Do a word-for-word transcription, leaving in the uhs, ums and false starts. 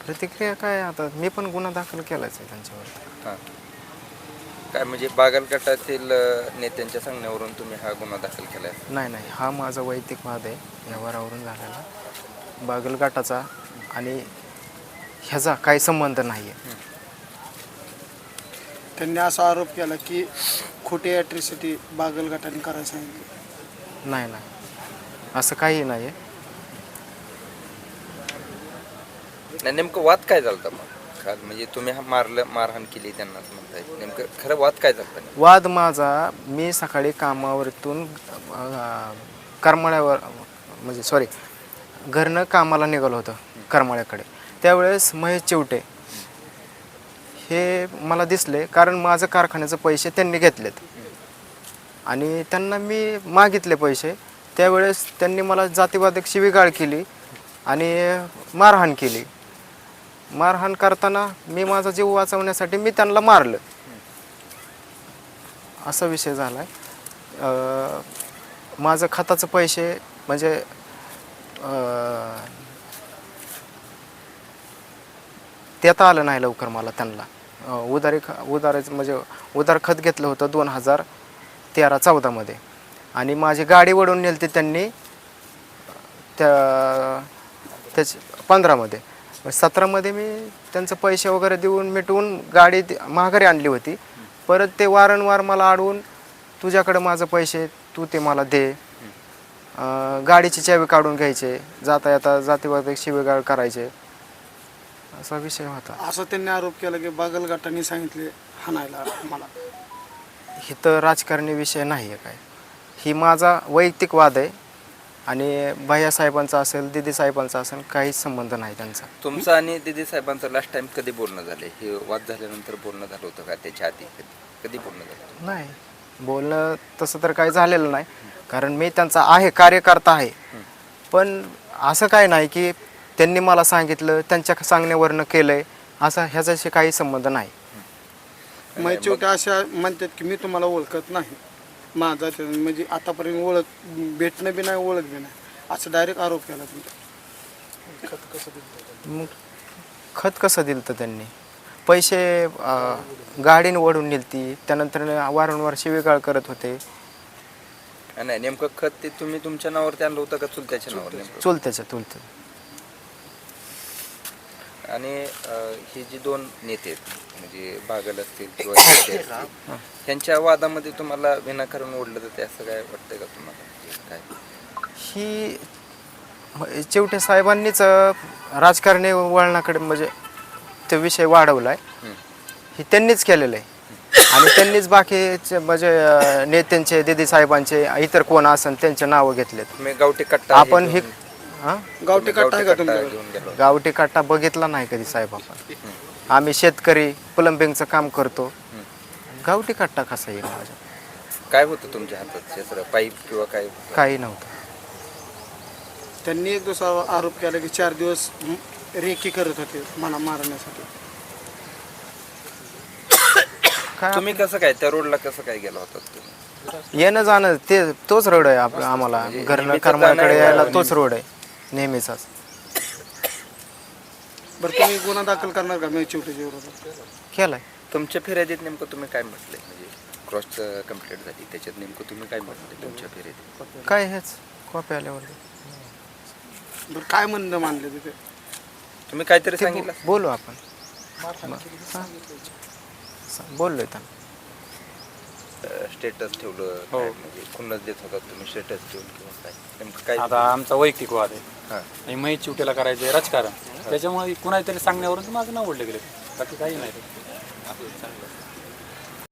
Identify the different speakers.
Speaker 1: प्रतिक्रिया काय आता मी पण गुन्हा दाखल केलाच आहे त्यांच्यावर.
Speaker 2: हां काय म्हणजे बागलगटातील अ, नेत्यांच्या सांगण्यावरून तुम्ही हा गुन्हा दाखल केला आहे?
Speaker 1: नाही नाही हा माझा वैयक्तिक वाद आहे व्यवहारावरून झालेला. बागलगटाचा आणि ह्याचा काही संबंध नाही आहे.
Speaker 3: त्यांनी असा आरोप केला की खोटी ॲट्रिसिटी बागलगटाने करायला सांगितली.
Speaker 1: नाही नाही असं काही नाही आहे.
Speaker 2: नाही नेमकं वाद काय झालता मग काल म्हणजे तुम्ही हा मारलं मारहाण केली त्यांना असं म्हणताय नेमकं खरं वाद काय झालता?
Speaker 1: वाद माझा मी सकाळी कामावरतून अ, करमाळ्यावर म्हणजे सॉरी घरनं कामाला निघालो होतं करमाळ्याकडे. त्यावेळेस महेश चिवटे हे मला दिसले कारण माझं कारखान्याचे पैसे त्यांनी घेतलेत आणि त्यांना मी मागितले पैसे. त्यावेळेस त्यांनी मला जातीवादक शिवीगाळ केली आणि मारहाण केली. मारहाण करताना मी माझा जीव वाचवण्यासाठी मी त्यांना मारलं असा विषय झाला आहे. माझं खताचं पैसे म्हणजे देता आलं नाही लवकर मला त्यांना. उधारी ख उधाराचं म्हणजे उधार खत घेतलं होतं दोन हजार तेरा चौदामध्ये आणि माझी गाडी वळून नेली ती त्यांनी त्या त्याच पंधरामध्ये. सतरामध्ये मी त्यांचं पैसे वगैरे देऊन मिटवून गाडी माघारी आणली होती. परत ते वारंवार मला अडवून तुझ्याकडे माझं पैसे तू ते मला दे, गाडीची चावी काढून घ्यायचे, जाता येता जातीवादक शिवीगाळ करायचे असा विषय होता.
Speaker 3: असं त्यांनी आरोप केला की बागलगटाने सांगितले हाणायला मला.
Speaker 1: ही तर राजकारणी विषय नाही आहे काय. ही माझा वैयक्तिक वाद आहे आणि भैया साहेबांचा असेल दिदी साहेबांचा असेल काहीच संबंध नाही त्यांचा.
Speaker 2: तुमचं आणि दिदी साहेबांचं लास्ट टाइम कधी बोलणं झालं? हे वाद झाल्यानंतर बोलणं झालं होतं का त्याच्या आधी कधी कधी बोलणं झालं?
Speaker 1: नाही बोलणं तसं तर काही झालेलं नाही कारण मी त्यांचा आहे कार्यकर्ता आहे. पण असं काय नाही की त्यांनी मला सांगितलं त्यांच्या सांगण्यावरनं केलं आहे असा ह्याच्याशी काही संबंध नाही.
Speaker 3: महेश चिवटे अशा म्हणतात की मी तुम्हाला ओळखत नाही, माझा ते म्हणजे आतापर्यंत ओळख भेटणं बी नाही ओळख बी नाही असं डायरेक्ट आरोप केला तुमचा. खत कसं दिलं?
Speaker 1: मग खत कसं दिलं तर त्यांनी पैसे गाडीने ओढून नेलती त्यानंतर वारंवार शिवीगाळ करत होते.
Speaker 2: नाही नेमकं खत ते तुम्ही तुमच्या नावावरती आणलं होतं का चुलत्याच्या नावावर? नेमकं
Speaker 1: चुलत्याच्या चुलत्या.
Speaker 2: आणि हे जे दोन नेते आहेत म्हणजे बागल असतील किंवा नेते असतील, त्यांच्या वादामध्ये तुम्हाला विनाकारण ओढलं तर ते असं काय वाटतंय का तुम्हाला? काय
Speaker 1: ही चिवटे साहेबांनीच राजकारणी वळणाकडे म्हणजे तो विषय वाढवला आहे. ही त्यांनीच केलेलं आहे आणि त्यांनीच बाकीचे म्हणजे नेत्यांचे दिदी साहेबांचे इतर कोण असेल त्यांचे नावं घेतलेत.
Speaker 2: तुम्ही गावठी कट्टा
Speaker 1: आपण ही हां
Speaker 3: गावठी कट्टा आहे का तुमच्याकडे?
Speaker 2: घेऊन गेलो?
Speaker 1: गावठी काटा बघितला नाही कधी साहेब आपण. आम्ही शेतकरी प्लंबिंगचं काम करतो. गावठी काटा कसा येईल माझ्या?
Speaker 2: काय होतं तुमच्या हातात? क्षेत्र पाईप किंवा काय?
Speaker 1: काही नव्हतं.
Speaker 3: त्यांनी एक दुसरा आरोप केला की चार दिवस रेकी करत होते मला मारण्यासाठी.
Speaker 1: काय
Speaker 2: तुम्ही कसं काय त्या रोडला कसं काय गेला होता तुम्ही?
Speaker 1: येणं जाणं ते तोच रोड आहे आपला आम्हाला घरनं
Speaker 2: नेहमीचा
Speaker 1: करमाळ्याकडे
Speaker 2: जाणं-
Speaker 1: यायला तोच रोड आहे नेहमीचाच.
Speaker 3: बरं तुम्ही गुन्हा दाखल करणार का महेश चिवटेच्या विरोधात?
Speaker 1: केलाय.
Speaker 2: तुमच्या फिर्यादीत नेमकं तुम्ही काय म्हटलंय? म्हणजे क्रॉस कंप्लीट झाली त्याच्यात नेमकं तुम्ही काय म्हटले तुमच्या फिर्यादीत?
Speaker 1: काय हेच कॉपी आल्यावर
Speaker 3: बरं काय म्हणणं मानले तिथे?
Speaker 2: तुम्ही काहीतरी
Speaker 1: ते
Speaker 2: सांगितलं?
Speaker 1: बो- बोलू आपण बोललोय त्यांना.
Speaker 2: स्टेटस ठेवलं
Speaker 4: हो.
Speaker 2: काय म्हणजे खुन्नस देत होता तुम्ही स्टेटस ठेवून किंवा काय नेमकं काय?
Speaker 4: आता आमचा वैयक्तिक वाद आहे
Speaker 2: हां
Speaker 4: आणि महेश चिवटेला करायचं आहे राजकारण. त्याच्यामुळे कुणाला तरी सांगण्यावरून माझं नाव ओढलं गेलं, बाकी काही नाही.